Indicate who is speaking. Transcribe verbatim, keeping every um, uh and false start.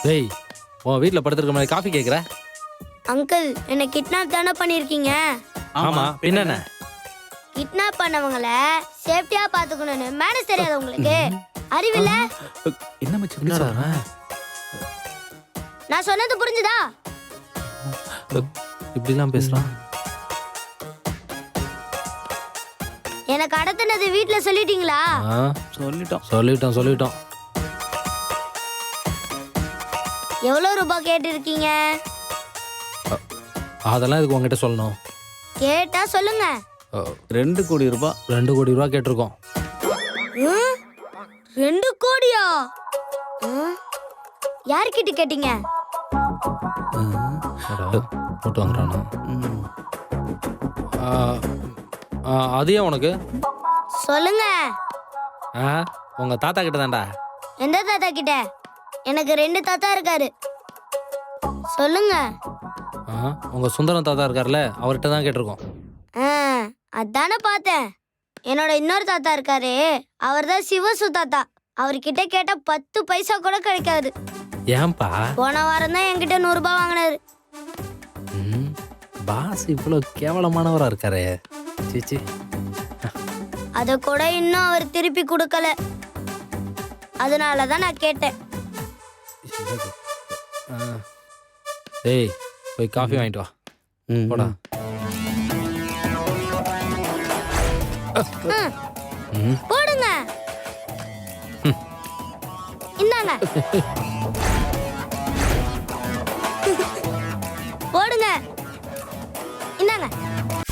Speaker 1: டேய் உன் வீட்டில் படுத்துருக்க மாதிரி காஃபி கேட்குற?
Speaker 2: அங்கிள் என்ன கிட்னாப் தானே பண்ணிருக்கீங்க?
Speaker 1: ஆமா என்னென்ன?
Speaker 2: கிட்னாப் பண்ணவங்கள சேஃப்டியா பாத்துக்கணும்னு மேனேஜ் தெரியாது உங்களுக்கு? அறிவில்ல?
Speaker 3: என்ன மச்சி
Speaker 1: என்னடா
Speaker 2: நான் சொன்னது புரிஞ்சுதா?
Speaker 1: இப்படிலாம் பேசுறான்.
Speaker 2: எனக்கு கடத்தினது வீட்ல சொல்லிட்டீங்களா?
Speaker 1: ஆ,
Speaker 3: சொல்லிட்டோம்
Speaker 1: சொல்லிட்டோம் சொல்லிட்டோம்.
Speaker 2: எவ்வளவு ரூபாய் கேட்டிருக்கீங்க?
Speaker 1: அதெல்லாம் இதுக்கு உங்ககிட்ட சொல்லணும்.
Speaker 2: கேட்டா சொல்லுங்க.
Speaker 3: ரெண்டு கோடி ரூபாய்.
Speaker 1: ரெண்டு கோடி ரூபா கேட்டிருக்கோம்.
Speaker 2: ம்? ரெண்டு கோடியா? ம்? யார்கிட்ட கேட்டீங்க?
Speaker 1: போட்டு வந்துட்டானா? ஆ, ஆ, அது ஏன் உனக்கு?
Speaker 2: சொல்லுங்க.
Speaker 1: ஆ, உங்க தாத்தா கிட்ட தான்டா.
Speaker 2: எந்த தாத்தா கிட்ட? எனக்கு ரெண்டு தாத்தா இருக்காரு. சொல்லுங்க.
Speaker 1: ஆ, உங்க சுந்தரம் தாத்தா இருக்கார்ல, அவர்கிட்ட தான் கேட்டிருக்கோம்.
Speaker 2: ஆ, அதானே பார்த்தேன். என்னோட இன்னொரு தாத்தா இருக்காரு, அவர் தான் சிவசு தாத்தா. அவர்கிட்ட கேட்டா பத்து பைசா கூட கிடைக்காது.
Speaker 1: ஏன்பா?
Speaker 2: போன வாரம் தான் என்கிட்ட நூறு ரூபாய் வாங்கினாரு.
Speaker 1: ம், பாஸ் இவ்வளோ கேவலமானவரா இருக்காரே. சீச்சி.
Speaker 2: அத கூட இன்னும் அவர் திருப்பி கொடுக்கல. அதனால தான் நான் கேட்டேன்.
Speaker 1: ஆ. டேய் போய் காஃபி வாங்கிட்டு வா.
Speaker 3: ம்,
Speaker 1: போடா.
Speaker 2: ம்,
Speaker 1: ம்.
Speaker 2: போடுங்க. இந்தாங்க. போடுங்க. இந்தாங்க.